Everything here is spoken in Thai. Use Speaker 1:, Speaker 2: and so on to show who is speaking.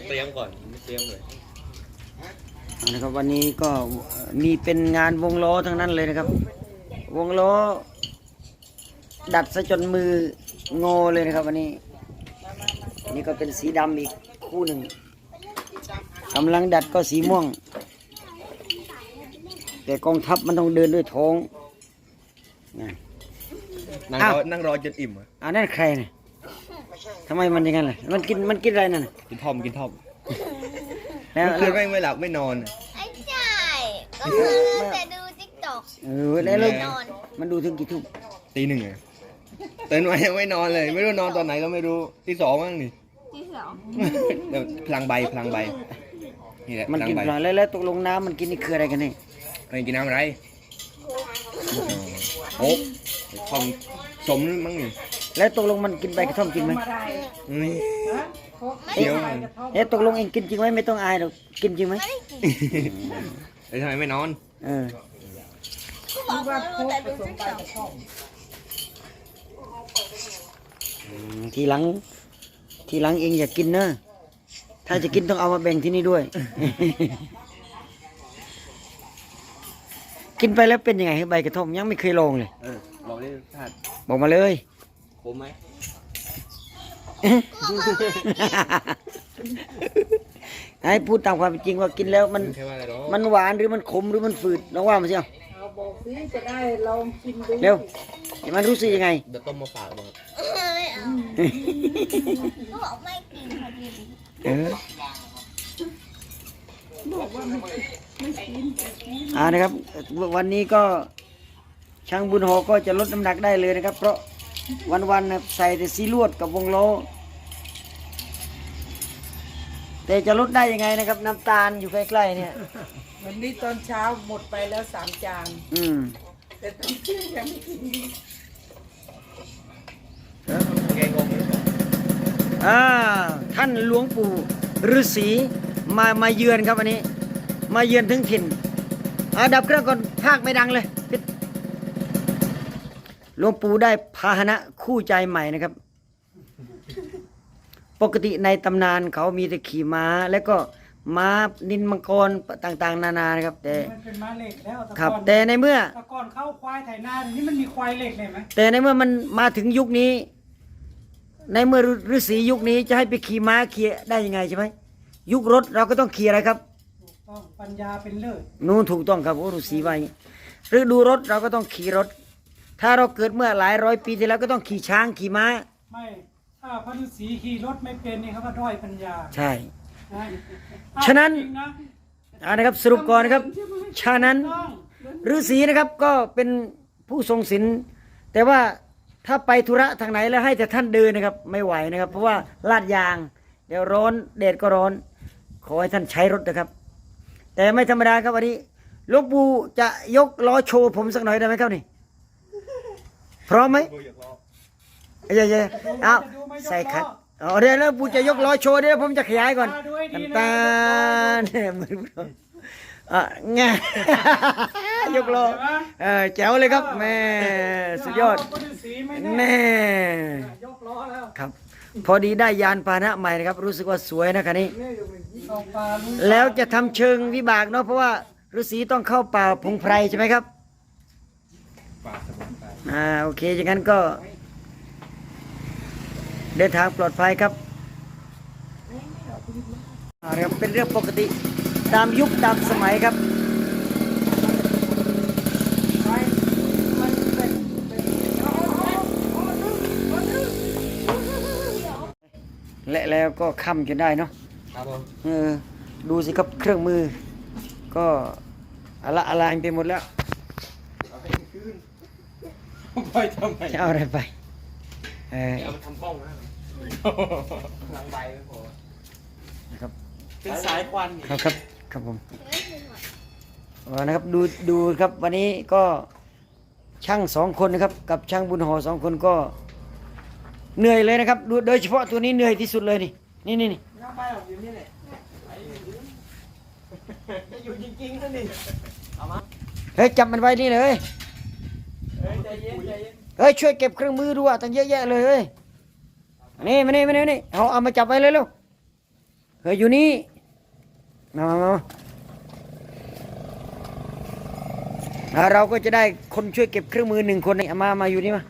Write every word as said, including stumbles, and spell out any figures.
Speaker 1: เตรียมก่อนไม่เตรียมเลย
Speaker 2: นะครับวันนี้ก็มีเป็นงานวงล้อทั้งนั้นเลยนะครับวงล้อดัดซะจนมืองอเลยนะครับวันนี้นี่ก็เป็นสีดำอีกคู่หนึ่งกำลังดัดก็สีม่วงแต่กองทัพมันต้องเดินด้วยท้อง
Speaker 1: นั่งรอนั่งรอจนอิ่มอ่ะ
Speaker 2: อ่านั่นใครเนี่ยทำไมมันอย่างนั้นล่ะมันกินมันกินอะไรนั่น
Speaker 1: กินทอมกินทอมแล้วคืนไม่ไม่หลับไม่นอน
Speaker 3: ไอ้ใช่ก็คือแต่ดูติ๊กต็อก
Speaker 2: เออแล้วมันดูถึงกี่ทุ่ม
Speaker 1: ตีหนึ่งไงตื่นมายังไม่นอนเลยไม่รู้นอนตอนไหนก็ไม่รู้ที่สองมั้งนี่
Speaker 3: ที่สอง
Speaker 1: เดี๋ยวพลังใบพลังใบนี่แหละ
Speaker 2: มันกินพลังแล้วแล้วตกลงน้ำมันกินนี่คืออะไรกันนี่
Speaker 1: อะไรกินน้ำอะไรโอ้ทอมสมมั้งนี่
Speaker 2: แล้วตกลงมันกินใบกระท่อมจริงไหม
Speaker 1: นี่
Speaker 2: เดี๋ยวเอ๊ะตกลงเองกินจริงไหมไม่ต้องอายหรอกกินจริงไหม
Speaker 1: แล้วทำไมไม่นอน
Speaker 2: เออ
Speaker 3: บอกว่าแต่ดูติ๊กต็อก
Speaker 2: ทีหลังทีหลังเองอย่ากินนะถ้าจะกินต้องเอามาแบ่งที่นี่ด้วย กินไปแล้วเป็นยังไงใบกระท่อมยังไม่เคยลองเลย
Speaker 1: เออลองดิท่าน
Speaker 2: บอกมาเลย
Speaker 1: ขมไหม
Speaker 2: ให้พูดตามความจริงว่ากินแล้วมันมันหวานหรือมันขมหรือมันฝืดน้องว่ามาสิเอา
Speaker 4: บอกสิจะได้ลองชิมดู
Speaker 2: เร็วมันรู้สึกยังไง
Speaker 1: เดี๋ยวต้มมาฝากบอก
Speaker 3: ไม่เอาก็บอกไม่กินพอดี
Speaker 2: เอออ่านะครับวันนี้ก็ช่างบุญโฮก็จะลดน้ำหนักได้เลยนะครับเพราะวันๆใส่แต่ซีลวดกับวงล้อแต่จะลดได้ยังไงนะครับน้ำตาลอยู่ใกล้ๆเนี่ย
Speaker 4: วันนี้ตอนเช้าหมดไปแล้วสามจาน
Speaker 2: อืม
Speaker 4: แต่ตอนเที่ยงยังไม่กิน
Speaker 1: แกงง
Speaker 2: อ่าท่านหลวงปู่ฤาษีมามาเยือนครับวันนี้มาเยือนถึงถิ่นอ่าดับเครื่องก่อนภาคไม่ดังเลยหลวงปู่ได้พาหนะคู่ใจใหม่นะครับปกติในตำนานเขามีแต่ขี่ม้าแล้วก็ม้านินมังกรต่างๆนานานะครับแต่
Speaker 4: เป็นม้าเหล็กแล้ว
Speaker 2: ครับแต่ในเมื่อ
Speaker 4: ตะกอนเข้าควายไถนานี่มันมีควายเหล็กเลยไหม
Speaker 2: แต่ในเมื่อมันมาถึงยุคนี้ในเมื่อฤาษียุคนี้จะให้ไปขี่ม้าขี่ได้ยังไงใช่ไหมยุครถเราก็ต้องขี่อะไรครับ
Speaker 4: ถูกต้องปัญญาเป็นเลิศ
Speaker 2: นู่นถูกต้องครับโอ้ฤาษีว่าอย่างนี้หรือดูรถเราก็ต้องขี่รถถ้าเราเกิดเมื่อหลายร้อยปีที่แล้วก็ต้องขี่ช้างขี่ม้า
Speaker 4: ไม่ถ้าพระฤาษีขี่รถไม่เป็นนี่เขาว่าด้อยปัญญา
Speaker 2: ใช่ฉะนั้นอ่านะครับสรุปก่อนนะครับฉะนั้นฤาษีนะครับก็เป็นผู้ทรงศีลแต่ว่าถ้าไปธุระทางไหนแล้วให้แต่ท่านเดินนะครับไม่ไหวนะครับเพราะว่าลาดยางเดี๋ยวร้อนแดดก็ร้อนขอให้ท่านใช้รถนะครับแต่ไม่ธรรมดาครับวันนี้หลวงปู่จะยกล้อโชว์ผมสักหน่อยได้ไหมครับนี่พร้อมไหมเย้เย้เอาใส่คัดอ๋อเดี๋ยวแล้วปู่จะยกล้อโชว์เดี๋ยวผมจะขยายก่อนน้ำตาลเนี่ยมืออ่ะไงยกล้อเออแจ๋วเลยครับแม่สุดยอดแม่ครับพอดีได้ยานพาหนะใหม่นะครับรู้สึกว่าสวยนะคันนี้แล้วจะทำเชิงวิบากเนาะเพราะว่าฤาษีต้องเข้าป่าพงไพรใช่ไหมครับอ่าโอเคอย่างนั้นก็เดินทางปลอดภัยครับครับเป็นเรื่องปกติตามยุคตามสมัยครับและแล้วก็ค่ำจนได้เนาะ
Speaker 1: ครับผม
Speaker 2: เออดูสิครับเครื่องมือก็อะละอะไรไปหมดแล้ว
Speaker 1: ไปทำไม
Speaker 2: จะเอาอะไรไปเออ
Speaker 1: เอามาทำบ้องนะพลังใบไม่พอ
Speaker 2: นะครับ
Speaker 1: เป็นสายควัน
Speaker 2: ครับครับครับผมนะครับดูดูครับวันนี้ก็ช่างสองคนนะครับกับช่างบุญห่อสองคนก็เหนื่อยเลยนะครับโดยเฉพาะตัวนี้เหนื่อยที่สุดเลยนี่นี่นี่นี่
Speaker 1: อยู่จริงๆนั่นนี่เอามา
Speaker 2: เฮ้ยจับมันไว้นี่เลย
Speaker 1: เฮ้ยใจเย็นใจเย็น
Speaker 2: เฮ้ยช่วยเก็บเครื่องมือด้วยตั้งเยอะแยะเลยเฮ้ยนี่มานี่มานี่มานี่เอาเอามาจับไว้เลยเร็วเฮ้ยอยู่นี่มามามาอ่าเราก็จะได้คนช่วยเก็บเครื่องมือหนึ่งคนนี่เอามามาอยู่นี่มา